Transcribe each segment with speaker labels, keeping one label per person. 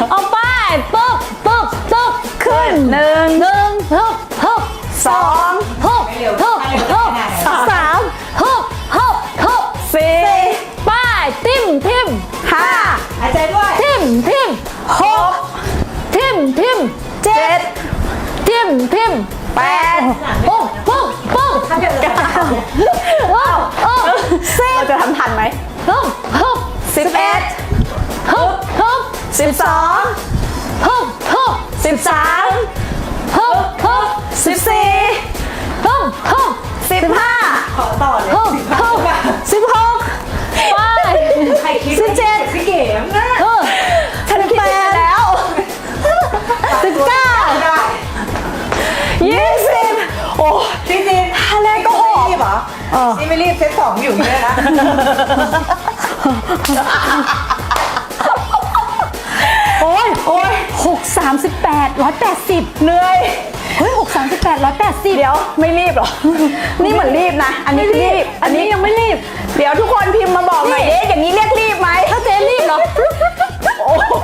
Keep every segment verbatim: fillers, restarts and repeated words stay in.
Speaker 1: เอาไปปึ๊บปึ๊บปึ๊บขึ้นหนึ่งหนึ่งฮึบฮึบสองฮึบฮึบฮึบสามฮึบฮึบฮึบสี่ไปทิมทิมห้า
Speaker 2: หายใจด้วย
Speaker 1: ทิมทิมหกทิมทิมเจ็ดทิมทิมแปดปุ๊บปุ๊บปุ๊บ
Speaker 2: ถ้าเกิด
Speaker 1: เก้าปุ๊บสิบ
Speaker 3: เราจะทำทันไหม
Speaker 1: ฮึบฮึบสิบเอ็ดฮึบฮึบสิบสองฮึบฮึบสิบสามฮึบฮึบสิบสี่ฮึบฮึบสิบห้า
Speaker 2: ขอต่อเลย
Speaker 1: ฮึบฮึบสิบหกไป
Speaker 2: ใครคิด
Speaker 1: สิบเจ็ด
Speaker 2: พี่เก๋มนะ
Speaker 1: เออ
Speaker 3: ฉันคิดไปแล้ว
Speaker 1: สิบเก้า
Speaker 2: ได้
Speaker 1: ยี่สิบโอ้
Speaker 2: จริงๆ
Speaker 3: ท่าแรกก็ออก
Speaker 2: รีบเหรอนี่ไม่รีบเซตสองอยู่เนี่ยนะ
Speaker 1: โอ้ยโอ้ยหกสามสิบแปดร้อยแปดสิบ
Speaker 3: เหนื่อย
Speaker 1: เฮ้ยหกสามสิบแปดร้อยแปดสิบ
Speaker 3: เดี๋ยวไม่รีบหรอ นี่เหมือนรีบนะ อันนี้รีบ
Speaker 1: อันนี้ยังไม่รีบ
Speaker 3: เดี๋ยวทุกคนพิมพ์มาบอกหน่อยเด้อย่างนี้เรียกรีบไหม
Speaker 1: ถ้าเจ๊รีบเหรอ
Speaker 3: โอ้โห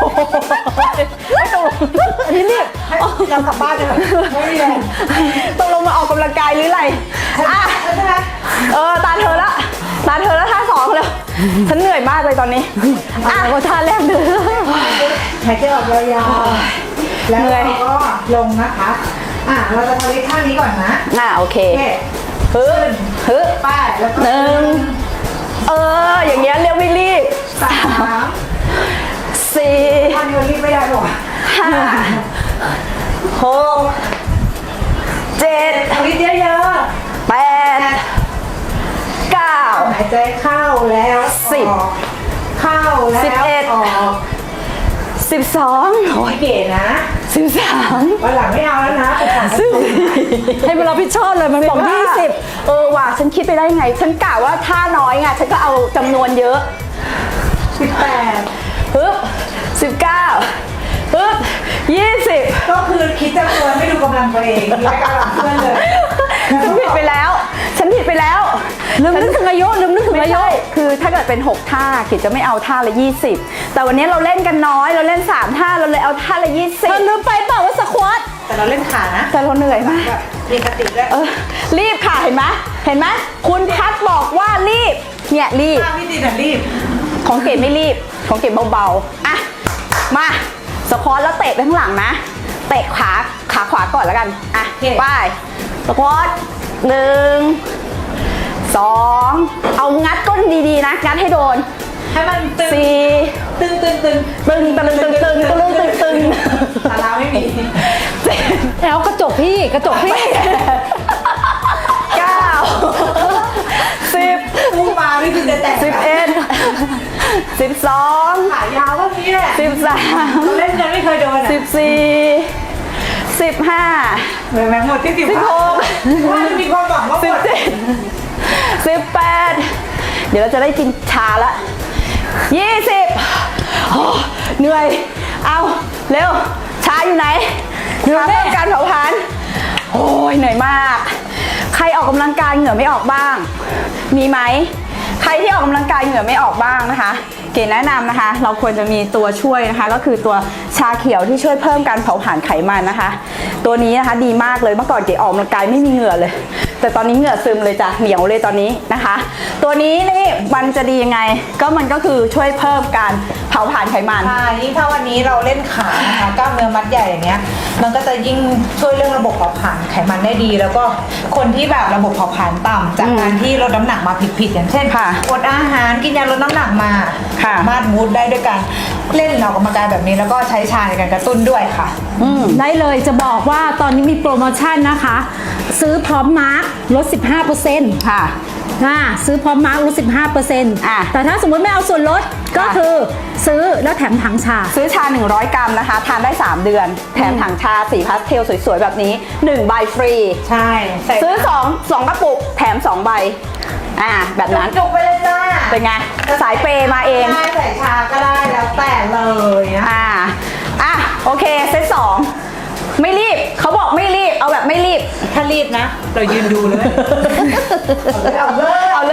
Speaker 1: อันนี้รีบ
Speaker 2: เรากลับบ้านกันไม่มีอะไร
Speaker 3: ตกลงมาออกกำลังกายหรืออะไรอ่ะ
Speaker 2: ใช่ไหม
Speaker 3: เออตาเธอละตาเธอละท่าสองเลยฉันเหนื่อยมากเลยตอนนี้
Speaker 1: อ่ะก็ท่าแรกเด้อ
Speaker 2: หายใจออกยาวๆแล้วเราก็ลงนะคะ อ่ะเราจะทำท่านี้ก่อนนะ
Speaker 3: อ่ะโอเค
Speaker 2: โอเค
Speaker 3: ฮึบฮึบ
Speaker 2: ป้ายแล้วก็
Speaker 3: หนึ่งเอออย่างเงี้ยเรียกไม่รีบ
Speaker 2: สาม
Speaker 3: สี่
Speaker 2: ท่านี้มันรีบไม่ได้หรอก
Speaker 3: ห้าหกเจ็ด
Speaker 2: ทำนิดเยอะ
Speaker 3: แปดเก้า
Speaker 2: ๆหายใจเข้าแล้ว
Speaker 3: สิบ
Speaker 2: ออกเข้าแล้ว
Speaker 3: สิบเอ็ด
Speaker 2: ออก
Speaker 3: สิบสอง
Speaker 2: โอ้ยเก๋นะ
Speaker 3: สิบสาม
Speaker 2: วันหลังไม่เอาแล้วนะไปถาม
Speaker 3: สิบ
Speaker 1: ให้มันรับผิดชอบเลยมันบอกยี่สิบ
Speaker 3: เออว่ะฉันคิดไปได้ไง ฉันกะว่าท่าน้อยไงฉันก็เอาจำนวนเยอะ
Speaker 2: สิบแปด
Speaker 3: ฮึบสิบเก้าฮึบยี่สิบ
Speaker 2: ก็คือคิดจำนวนไม่ดูกำลังตัวเองและกำลังเพื่อนเลย
Speaker 3: ฉันผิดไปแล้ว ฉันผิดไปแล้ว
Speaker 1: ลืมนึกถึงอายุลืมนึกถึง
Speaker 3: ไม่
Speaker 1: อายุ
Speaker 3: ใช่คือถ้าเกิดเป็นหกท่าขิดจะไม่เอาท่าละยี่สิบแต่วันนี้เราเล่นกันน้อยเราเล่นสามท่าเราเลยเอาท่าละยี่สิ
Speaker 1: เธ
Speaker 3: บ
Speaker 1: อลืมไปเปล่าว่าสควอต
Speaker 2: แต่เราเล่นขานะ
Speaker 3: แต่เราเหนื่อยมาก
Speaker 2: แบบมีคติด้วย
Speaker 3: เออรีบค่ะเห็นไหมเห็นไหมคุณพัดบอกว่ารีบเนี่ยรีบ
Speaker 2: ถ้าพี่ตีน่ะรีบ
Speaker 3: ของเก๋ไม่รีบของเก๋เบาๆอ่ะมาสควอตแล้วเตะไปข้างหลังนะเตะขาขาขวาก่อนแล้วกันอ่ะไปสควอตหนึ่งสองเอางัดก้นดีๆนะงัดให้โดน
Speaker 2: ให้มันตึง
Speaker 3: สี่
Speaker 2: ตึงตึงตึง
Speaker 3: ตึงตึงตึงตึงตึงตึงตึง
Speaker 2: ตาลาไม่มี
Speaker 3: เจ็ด
Speaker 1: แล้วกระจกพี่กระจกพี่
Speaker 3: เก้าสิบ
Speaker 2: พูดมาไม่คิดจะแต่ง
Speaker 3: สิบเอ็ดสิบสอง
Speaker 2: ขายาวเท่านี้แหละ
Speaker 3: สิบสาม
Speaker 2: เราเล่นกันไม่เคยโดนอ่ะ
Speaker 3: สิบสี่สิบห้า
Speaker 2: เหมือนแมงหมดที่สิบ
Speaker 3: สิบหก
Speaker 2: ว่าจะมีความหวังว่าห
Speaker 3: สิ
Speaker 2: ม
Speaker 3: บ
Speaker 2: ด
Speaker 3: เจ็ดสิบแปดเดี๋ยวเราจะได้กินชาละยี่สิบโอ้เหนื่อย เอาเร็ว ชาอยู่ไหนชาเพิ่มการเผาผลาญโอ้ยเหนื่อยมาก ใครออกกำลังกายเหงื่อไม่ออกบ้าง มีไหม ใครที่ออกกำลังกายเหงื่อไม่ออกบ้างนะคะ เก๋แนะนำนะคะ เราควรจะมีตัวช่วยนะคะ ก็คือตัวชาเขียวที่ช่วยเพิ่มการเผาผลาญไขมันนะคะ ตัวนี้นะคะดีมากเลยเมื่อก่อนเก๋ออกกำลังกายไม่มีเหงื่อเลย แต่ตอนนี้เหงื่อซึมเลยจ้ะเหนียวเลยตอนนี้นะคะ ตัวนี้นี่มันจะดียังไง ก็มันก็คือช่วยเพิ่มการเผาผลาญไขมัน
Speaker 2: ใช่ยิ่งถ้าวันนี้เราเล่นขานะคะกล้ามเนื้อมัดใหญ่อย่างเงี้ย มันก็จะยิ่งช่วยเรื่องระบบเผาผลาญไขมันได้ดี แล้วก็คนที่แบบระบบเผาผลาญต่ำจากการที่ลดน้ำหนักมาผิดๆอย่างเช่น
Speaker 3: ค่ะ
Speaker 2: อดอาหารกินยาลดน้ำหนักมา
Speaker 3: ค่ะ
Speaker 2: สามารถมูดได้ด้วยการเล่นออกกำลังกายแบบนี้แล้วก็ใช้ชาในการกระตุ้นด้วยค่ะ
Speaker 1: ได้เลยจะบอกว่าตอนนี้มีโปรโมชั่นนะคะ ซื้อพร้อมมาร์คลด สิบห้าเปอร์เซ็นต์
Speaker 3: ค่ะ
Speaker 1: อ่าซื้อพร้อมมาร์คลด สิบห้าเปอร์เซ็นต์
Speaker 3: อ่ะ
Speaker 1: แต่ถ้าสมมติไม่เอาส่วนลดก็
Speaker 3: ค่ะ
Speaker 1: คือซื้อแล้วแถมถังชา
Speaker 3: ซื้อชา หนึ่งร้อย กรัมนะคะ ทานได้ สาม เดือน แถมถังชาสีพาสเทลสวยๆ แบบนี้ หนึ่ง ใบฟรี
Speaker 2: ใช่ใส่
Speaker 3: ซื้อ2 2กระปุก แถม สอง ใบ อ่า แบบนั้น
Speaker 2: จุกๆไปเลยจ้า
Speaker 3: เป็นไง สายเปย์มาเอง
Speaker 2: ได้ใส่ชาก็ได้แล้วแต่เลยนะ
Speaker 3: อ่า อ่ะ โอเค เซตสอง ไม่รีบ เขาบอกไม่รีบ เอาแบบไม่รีบ
Speaker 2: ถ้ารีบนะ เรายืนดูเลย เอาเลย
Speaker 3: เอาเลย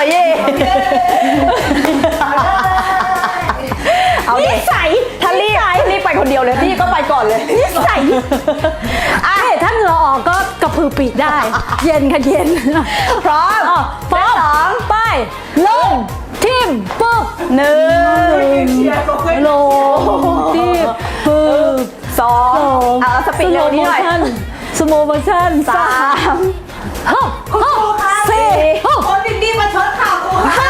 Speaker 3: เย่
Speaker 2: เอาเลย
Speaker 3: เอาเด็กถ้ารีบรีบไปคนเดียวเลยพี่ก็ไปก่อนเลยนิสัย
Speaker 1: อ่ะถ้าเหงื่อออกก็กระพือปีกได้ เย็นค่ะเย็น
Speaker 3: พร้อม
Speaker 1: อ๋อพร้อม
Speaker 3: สอง
Speaker 1: ไปลงทิมปึ๊บ
Speaker 3: หนึ่ง
Speaker 1: ลงทิมปึ๊บ
Speaker 3: สองเอาสปีดเร็วนี้หน่อย
Speaker 1: สโมโมชั่น
Speaker 3: สาม
Speaker 1: ฮึบฮึบ
Speaker 2: ค่ะ
Speaker 1: สี่ฮึบ
Speaker 2: คนดีๆมาชดข่าวกูค่ะ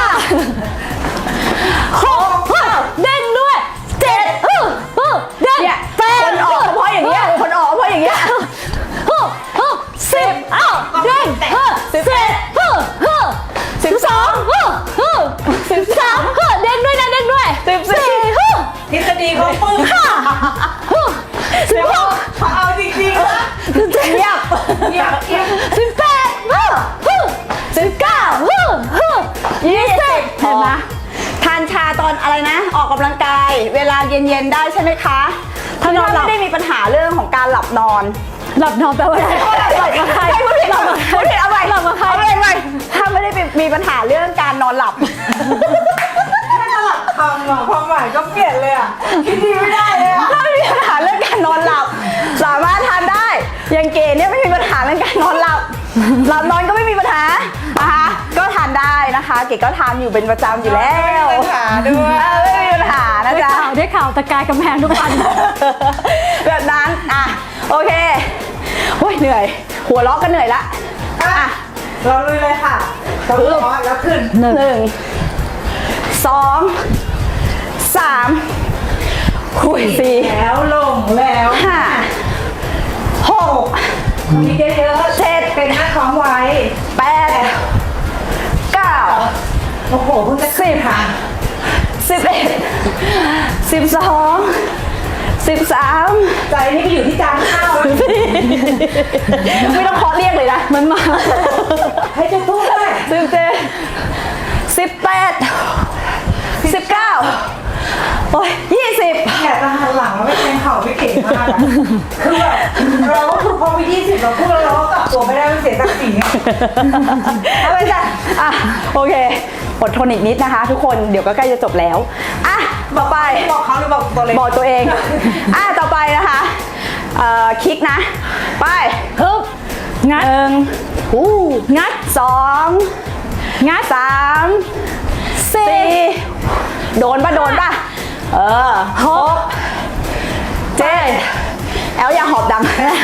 Speaker 1: ห้าหกฮึบเด้งด้วยเจ็ดฮึบฮึบเด้ง
Speaker 3: เนี่ย
Speaker 1: แปด
Speaker 3: คนออกเพราะอย่างเงี้ยคนออกเพราะอย่างเงี้ย
Speaker 1: ฮึบฮึบสิบอ้าวเด้งฮึบสิบเอ็ดฮึบฮึบสิบสองฮึบฮึบสิบสามฮึบเด้งด้วยนะเด้งด้วยสิบสี่ฮึบ
Speaker 2: ทฤษฎีเขาปึ้ง
Speaker 1: ห้าฮึบสิบหก
Speaker 2: เอาจริงๆนะ
Speaker 1: สิบเจ็ด
Speaker 3: เงียบ
Speaker 2: เงียบเงียบ
Speaker 1: สิบแปดฮึบฮึบสิบเก้าฮึบฮึบยี่สิบเห็นไหม
Speaker 3: ทานชาตอนอะไรนะ ออกกำลังกาย เวลาเย็นๆได้ใช่ไหมคะถ้านอนไม่ได้มีปัญหาเรื่องของการหลับนอน
Speaker 1: หลับนอนแปลว่าอะไรหลับกับใคร
Speaker 3: ไม่พูดผิด
Speaker 1: หลับกับใคร
Speaker 3: พูดผิดเอาใหม่
Speaker 1: หลับกับใคร
Speaker 3: เอาใหม่ใหม่ถ้าไม่ได้มีปัญหาเรื่องการนอนหลับ
Speaker 2: ถ้าสลับคำอะความหมายก็เปลี่ยนเลยอ่ะคิดดีไม่ได้เลยอ่ะ
Speaker 3: ถ้าไม่มีปัญหาเรื่องการนอนหลับ สามารถทานได้อย่างเก๋เนี่ยไม่มีปัญหาเรื่องการนอนหลับ หลับนอนก็ไม่มีปัญหานะคะก็ทานได้นะคะ เก๋ก็ทานอยู่เป็นประจำอยู่แล้ว
Speaker 2: ไม่มีปัญหาด้วย
Speaker 3: เออไม่มีปัญหานะ
Speaker 1: ได้
Speaker 3: จ๊ะ
Speaker 1: ข่าวได้ข่าวตะกายกำแพงทุกวัน
Speaker 3: แบบนั้นอ่ะโอเคโอ้ยเหนื่อย หัวเราะก็เหนื่อยละ
Speaker 2: อ่ะเราลุยเลยค่ะเราลุยแล้วขึ้น
Speaker 3: หนึ่งสองสามหุยสี่
Speaker 2: แล้วลงแล้ว
Speaker 3: ห้าหก
Speaker 2: มีเยอะๆ
Speaker 3: เจ็ด
Speaker 2: เป็นหน้าท้องไว้
Speaker 3: แปดเก้า
Speaker 2: โอ้โหเพิ่งจะสิบค่ะ
Speaker 3: สิบเอ็ดสิบสองสิบสาม
Speaker 2: ใจนี่ไปอยู่ที่จานข้าวแล้ว
Speaker 3: ไม่ต้องเคาะเรียกเลยนะ มันมา
Speaker 2: ให้จะพูดด้วย
Speaker 3: สิบเจ็ดสิบแปดสิบเก้าโอ้ยยี่สิบ
Speaker 2: อยากจะหันหลังแล้วไปแทงเข่าไม่เก่งมากอะคือแบบเราก็คือพอไปยี่สิบเราพูดแล้วเราก็กลับตัวไม่ได้มันเสียศักดิ์ศรีอะเอาไปจ้ะ
Speaker 3: อ่ะโอเคอดทนอีกนิดนะคะ ทุกคนเดี๋ยวก็ใกล้จะจบแล้วอ่ะต่อไป
Speaker 2: บอกเขาหรือบอกตัวเล็ก
Speaker 3: บอกตัวเอง อ่ะต่อไปนะคะเอ่อคลิกนะ ไป
Speaker 1: ฮึบงัด
Speaker 3: หนึ่ง
Speaker 1: อู้งัด
Speaker 3: สอง
Speaker 1: งัด
Speaker 3: สาม
Speaker 1: สี่
Speaker 3: สี่โดนปะโดนปะเออหกเจ็ดแอลอย่าหอบดังเก้า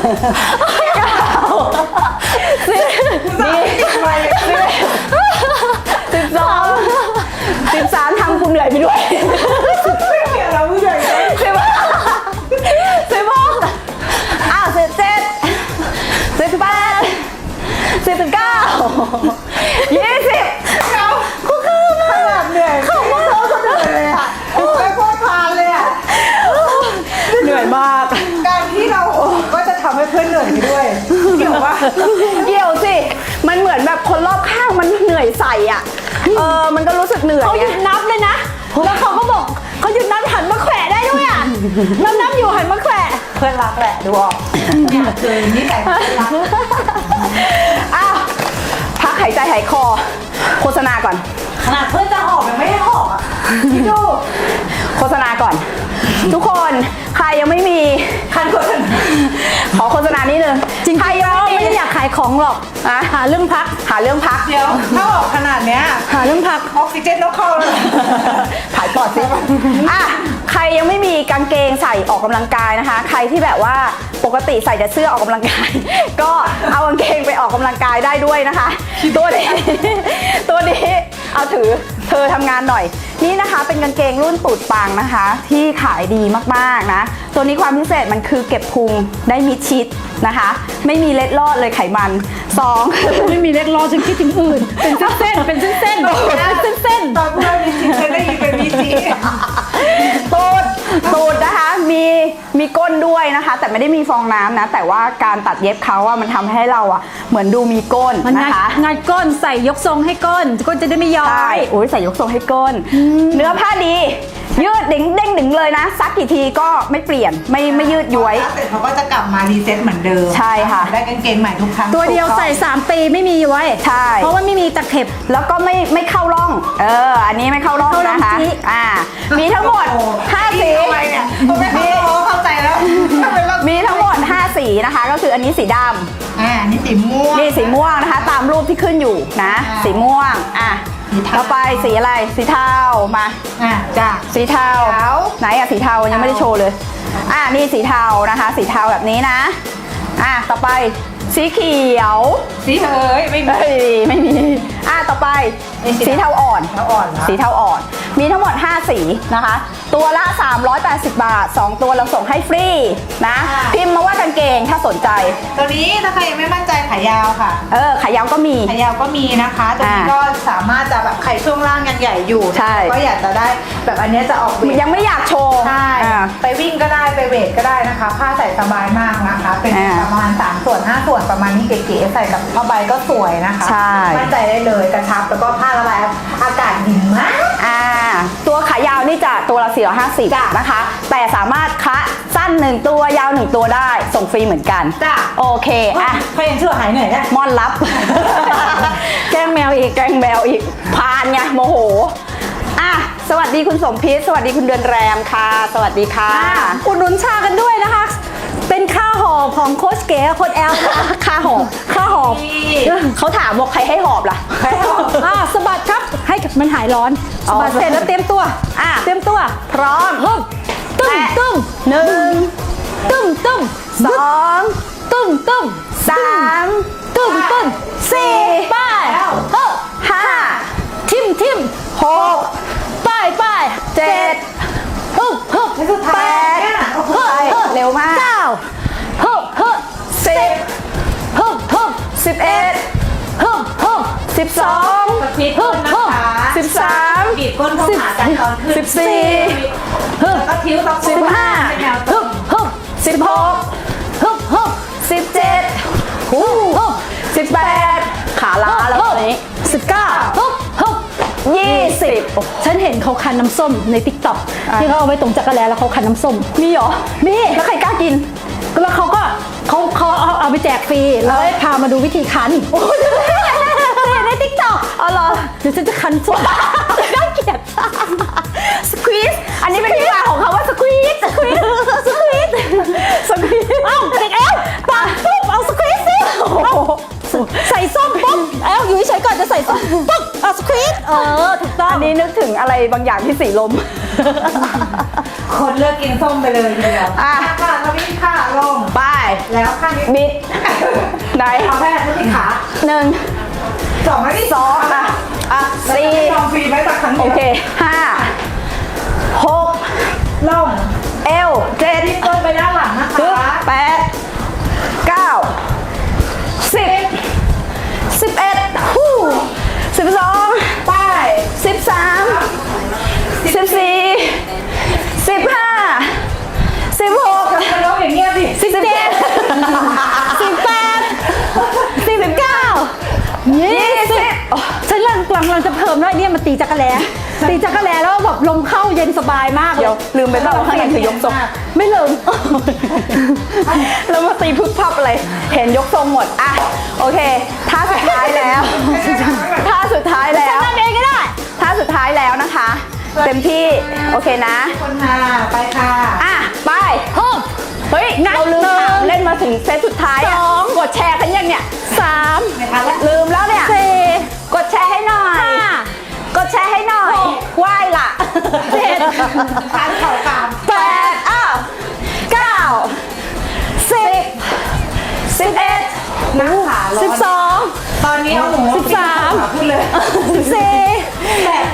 Speaker 3: สิบดีสิบสองสิบสามทำกูเหนื่อยไปด้วย
Speaker 2: ไม่เกี่ยวเราผู้ใหญ่เลย
Speaker 3: สิบสิบหกอ้าวสิบเจ็ดสิบแปดสิบเก้ายี่สิบ
Speaker 2: เราก็คือขนาดเหนื่อยเขาก็โซ่ก็เหนื่อยเลยอะไปโคตรพานเลยอะ
Speaker 3: เหนื่อยมาก
Speaker 2: การที่เราก็จะทำให้เพื่อนเหนื่อยไปด้วยเกี่ยวว่า
Speaker 3: เกี่ยวสิ มันเหมือนแบบคนรอบข้างมันเหนื่อยใส่อ่ะ เออ มันก็รู้สึกเหนื่อย
Speaker 1: เขาห
Speaker 3: ไง
Speaker 1: ยุดนับเลยนะ แล้วเขาก็บอกเขาหยุดนับหันมาแขวะได้ด้วยอ่ะนับนับอยู่หันมาแขวะ
Speaker 2: เพื่อนรักแหละดูออกเนี่ยคือนิสัยเพื่อนรัก
Speaker 3: อ้าวพักหายใจหายคอ โฆษณาก่อน
Speaker 2: ขนาดเพื่อนจะหอบยังไม่ให้หอบอ่ะพี่ดู
Speaker 3: โฆษณาก่อน ทุกคนใครยังไม่มี
Speaker 2: คันคน
Speaker 3: ขอโฆษณานิดนึง
Speaker 1: จริง
Speaker 3: ใคร
Speaker 1: ๆ
Speaker 3: ยัง
Speaker 1: แล้ว
Speaker 3: ไม่
Speaker 1: ไม่
Speaker 3: มี
Speaker 1: ได้อยากขายของหรอก
Speaker 3: อ่ะ
Speaker 1: หาเรื่องพัก
Speaker 3: หาเรื่องพัก
Speaker 2: เดี๋ยวถ้าหอบขนาดเนี้ย
Speaker 1: หาเรื่องพัก
Speaker 2: ออกซิเจนต้องเข้าเลย
Speaker 3: ถ่ายปอดสิอ่ะใครยังไม่มีกางเกงใส่ออกกำลังกายนะคะ ใครที่แบบว่าปกติใส่แต่เสื้อออกกำลังกาย ก็เอากางเกงไปออกกำลังกายได้ด้วยนะคะ ตัวนี้ ตัวนี้เอาถือเธอทำงานหน่อย นี่นะคะเป็นกางเกงรุ่นตูดปังนะคะ ที่ขายดีมากๆนะ ตัวนี้ความพิเศษมันคือเก็บพุงได้มิดชิดนะคะ ไม่มีเล็ดลอดเลยไขมันสอง
Speaker 1: ไม่มีเล็กรอจนคิดถึงอื่น เป็นเส้นๆเป็นเส้นๆเป็นเส้น
Speaker 2: ตอนพูดว่ามีจีฉันได้ยินเป็นมีจี
Speaker 3: ตูดตูดนะคะมีมีก้นด้วยนะคะ แต่ไม่ได้มีฟองน้ำนะ แต่ว่าการตัดเย็บเขาอะมันทำให้เราอะเหมือนดูมีก้น
Speaker 1: มันงัด
Speaker 3: นะคะ
Speaker 1: งัดก้นใส่ยกทรงให้ก้นก้นจะได้ไม่ย้อ
Speaker 3: ใช่
Speaker 1: ย
Speaker 3: โอ้ยใส่ยกทรงให้ก้น เนื้อผ้าดี ยืดเด้งเด้งดึงเลยนะ ซักกี่ทีก็ไม่เปลี่ยน ไม่ไม่ยืดย้วย
Speaker 2: เสร็จเขาก็จะกลับมารีเซ็ตเหมือนเดิม
Speaker 3: ใช่ค่ะ
Speaker 2: ได้กางเกงใหม่ทุกครั้ง
Speaker 1: ตัวเดียวใส่สามปีไม่มีย้วย
Speaker 3: ใช่
Speaker 1: เพราะว่าไม่มีตะเข็บ
Speaker 3: แล้วก็ไม่ไม่เข้าร่อง เออ อันนี้ไม่เข้าร่อง
Speaker 1: เข้าร่อง
Speaker 3: นะคะ
Speaker 1: จิ๊
Speaker 3: อ่า มีทั้งหมดห้าสี
Speaker 2: ทำไมเนี่ยผมไม่เข้าใจเข้าใจแล้วทำไมเรา
Speaker 3: มีทั้งหมดห้าสีนะคะ ก็คืออันนี้สีด
Speaker 2: อ่านี่สีม่วง
Speaker 3: ำนี่สีม่วงนะคะ ตามรูปที่ขึ้นอยู่นะ
Speaker 2: อ่า
Speaker 3: สีม่วง อ่ะ
Speaker 2: สีเทา
Speaker 3: ต่อไปสีอะไร สีเทา มา
Speaker 2: อ่าจ้ะ
Speaker 3: สีเทา
Speaker 2: เทา
Speaker 3: ไหนอะสีเทายังไม่ได้โชว์เลย อ่ะนี่สีเทานะคะ สีเทาแบบนี้นะ อ่ะต่อไปสีเขียว
Speaker 2: สีเฮ้ยไม่มี
Speaker 3: เฮ้ยไม่มี อ่ะต่อไป
Speaker 2: นี่สี
Speaker 3: สีเทาอ่อน
Speaker 2: เทาอ่อนเหรอ
Speaker 3: สีเทาอ่อน มีทั้งหมดห้าสีนะคะ ตัวละสามร้อยแปดสิบบาทสองตัวเราส่งให้ฟรีนะ พิมพ์มาว่ากางเกงถ้าสนใจ
Speaker 2: ตัวนี้ถ้าใครยังไม่มั่นใจขายาวค่ะ
Speaker 3: เออขายาวก็มี
Speaker 2: ขายาวก็มีนะคะตัวนี้
Speaker 3: อ่า
Speaker 2: ก็สามารถจะแบบใครช่วงล่างยังใหญ่อยู่
Speaker 3: ใช่
Speaker 2: ก็อยากจะได้แบบอันเนี้ยจะออกเวท
Speaker 3: ยังไม่อยากโชว์
Speaker 2: ใช่
Speaker 3: อ่า
Speaker 2: ไปวิ่งก็ได้ไปเวทก็ได้นะคะ ผ้าใส่สบายมากนะคะ เป็น
Speaker 3: อ่า
Speaker 2: ประมาณสามส่วนห้าส่วนประมาณนี้เก๋ๆใส่กับผ้าใบก็สวยนะคะ
Speaker 3: ใช่
Speaker 2: มั่นใจได้เลยกระชับแล้วก็ผ้าระบายอากาศดีมาก
Speaker 3: อ่าตัวขายาวนี่จะตัวละสี่ร้อยห้าสิบนะคะ แต่สามารถคะสั้นหนึ่งตัวยาวหนึ่งตัวได้ส่งฟรีเหมือนกัน
Speaker 2: จ้ะ
Speaker 3: โอเคอ่ะ
Speaker 2: เขายังชั่วหายเหนื่อยได้
Speaker 3: ม่อนรับ แกล้งแมวอีกแกล้งแมวอีกพานไงโมโหอ่ะสวัสดีคุณสมพิษสวัสดีคุณเดือนแรมค่ะ สวัสดีค่ะ
Speaker 1: อุดหนุนชากันด้วยนะคะ เป็นค่าหอบของโค้ชเก๋โค้ชแอลนะคะ
Speaker 3: ค่าหอบ
Speaker 1: ค่าหอบ
Speaker 3: เขาถามบอกใครให้หอบล่ะ
Speaker 1: อ่าสะบัดครับให้มันหายร้อน
Speaker 3: อ๋
Speaker 1: สะ
Speaker 3: อ
Speaker 1: บัดเสร็จแล้วเตรียมตัว
Speaker 3: อ่ะ
Speaker 1: เตรียมตัว
Speaker 3: พร้อม
Speaker 1: ฮึบตึ้ม
Speaker 3: แปะ
Speaker 1: ตึ้ม
Speaker 3: หนึ่ง
Speaker 1: ตึ้มตึ้ม
Speaker 3: สอง
Speaker 1: ตึ้มตึ้ม
Speaker 3: สาม
Speaker 1: ตึ้มตึ้ม
Speaker 3: สี่
Speaker 1: ไป้ายเฮ้อ
Speaker 3: ห้า
Speaker 1: ทิมทิม
Speaker 3: หก
Speaker 1: ป้ายป้าย
Speaker 3: เจ็ด
Speaker 1: ฮึบฮึบ
Speaker 2: และสุดท้า
Speaker 3: แป
Speaker 2: ย
Speaker 3: ด
Speaker 2: เนี่ย
Speaker 3: เฮ้ยเร็วมาก
Speaker 1: เก้าฮึบฮึบ
Speaker 3: สิบ
Speaker 1: ฮึบฮึบ
Speaker 3: สิบเอ็ด
Speaker 1: ฮึบฮึบ
Speaker 3: สิบสอง
Speaker 2: พีทก้นนะคะ
Speaker 3: สิบสาม
Speaker 2: บีบก้นเข้าหากันตอนขึ้น
Speaker 3: สิบสี่
Speaker 1: ฮึบ
Speaker 2: แล้วก็ทิ้วตะโพก
Speaker 3: สิบห้า
Speaker 2: เป็นแนว
Speaker 1: ฮึบฮึบ
Speaker 3: สิบหก
Speaker 1: ฮึบฮึบ
Speaker 3: สิบเจ็ด
Speaker 1: ฮึบฮึบ
Speaker 3: สิบแปดขาล้าแล้วตอนนี้
Speaker 1: สิบเก้าฮึบฮึบ
Speaker 3: ยี่สิบ
Speaker 1: ฉันเห็นเขาคันน้ำส้มในติ๊กต็อก
Speaker 3: อ่ะ
Speaker 1: ที่เขาเอาไว้ตรงจักรแลแล้วเขาคันน้ำส้ม
Speaker 3: มีเหรอ
Speaker 1: มี
Speaker 3: แล้วใครกล้ากิน
Speaker 1: แล้วเขาก็เขาเขาเอาเอาไปแจกฟรีแล้วให้พามาดูวิธีคันโอ้ยในติ๊กต็อก
Speaker 3: อ๋อเหรอ
Speaker 1: เดี๋ยวฉันจะคันส้มน่าเกลียด
Speaker 3: สควีซอันนี้เป็นที่มาของเขาว่าสควีซสควีซสควีซสควีซ
Speaker 1: เอ้าเด็กเอลปังปุ๊บเอาสควีซสิเอ้าใส่ส้มปุ๊บเอลอยู่เฉยๆก่อนจะใส่ส้มปุ๊บเอาสควีซเออถูกต้อง
Speaker 3: อันนี้นึกถึงอะไรบางอย่างที่สีลม
Speaker 2: คนเลิกกินส้มไปเลยทีเดียว
Speaker 3: อ่ะ
Speaker 2: ค่ะทวีค่ะลง
Speaker 3: ไป
Speaker 2: แล้วข้างนี้
Speaker 3: บิดไหน
Speaker 2: เอาแค่ที่ขา
Speaker 3: หนึ่ง
Speaker 2: สองไม่ได้
Speaker 3: สองอ่ะอ่ะสี่
Speaker 2: ลองฟรีไว้สักครั้ง
Speaker 3: โอ
Speaker 2: เดียว
Speaker 3: เคห้าหก
Speaker 2: ลง
Speaker 3: เอวเจ็ด
Speaker 2: ที่ก้นไปด้านหลังนะคะ
Speaker 3: แปดเก้าสิบสิบเอ็ดฮู้สิบสอง
Speaker 2: ไป
Speaker 3: สิบสามสิบสี่สิบห้าสิบหก
Speaker 2: มันร้องอย่างเงี้ยดิ
Speaker 3: สิบเจ็ดสิบแปดสิบเก้ายี่สิบ
Speaker 1: ฉันกำลังกำลังจะเพิ่มแล้วเนี่ยมันตีจักรแลตีจักรแลแล้วแบบลมเข้าเย็นสบายมาก
Speaker 3: เดี๋ยวลืมไปบ้างว่าข้างในคือยกทรง
Speaker 1: ไม่ลืม
Speaker 3: แล้วมาตีพึกพับอะไรเห็นยกทรงหมดอ่ะโอเคท่าสุดท้ายแล้วท่าสุดท้ายแล้ว
Speaker 1: ทำเองก็ได้
Speaker 3: ท่าสุดท้ายแล้วนะคะ เต็มที่โอเคนะ
Speaker 2: คนค่ะไปค่ะ
Speaker 3: อ่ะไป
Speaker 1: เพิ่ม
Speaker 3: เฮ้ย
Speaker 1: นับ
Speaker 3: เราลืมถาม
Speaker 1: หนึ่ง
Speaker 3: เล่นมาถึงเซตสุดท้ายอะ
Speaker 1: สอง
Speaker 3: กดแชร์กันยังเนี่ย
Speaker 1: สาม
Speaker 2: ไม่ทันแล้ว
Speaker 3: ลืมแล้วเนี่ย
Speaker 1: สี่
Speaker 3: กดแชร์ให้หน่อย
Speaker 1: ห้าก
Speaker 3: ดแชร์ให้หน่อยไหว้ล่ะ
Speaker 1: เจ็ด
Speaker 2: ทานเข่ากาม
Speaker 3: แปดอ้าวเก้าสิบสิบเอ็ด
Speaker 2: นักขาร้อน
Speaker 1: สิบสอง
Speaker 2: ตอนนี้เอาหมู
Speaker 1: สิบสาม
Speaker 2: พูดเลย
Speaker 1: สิบสี่
Speaker 2: แตก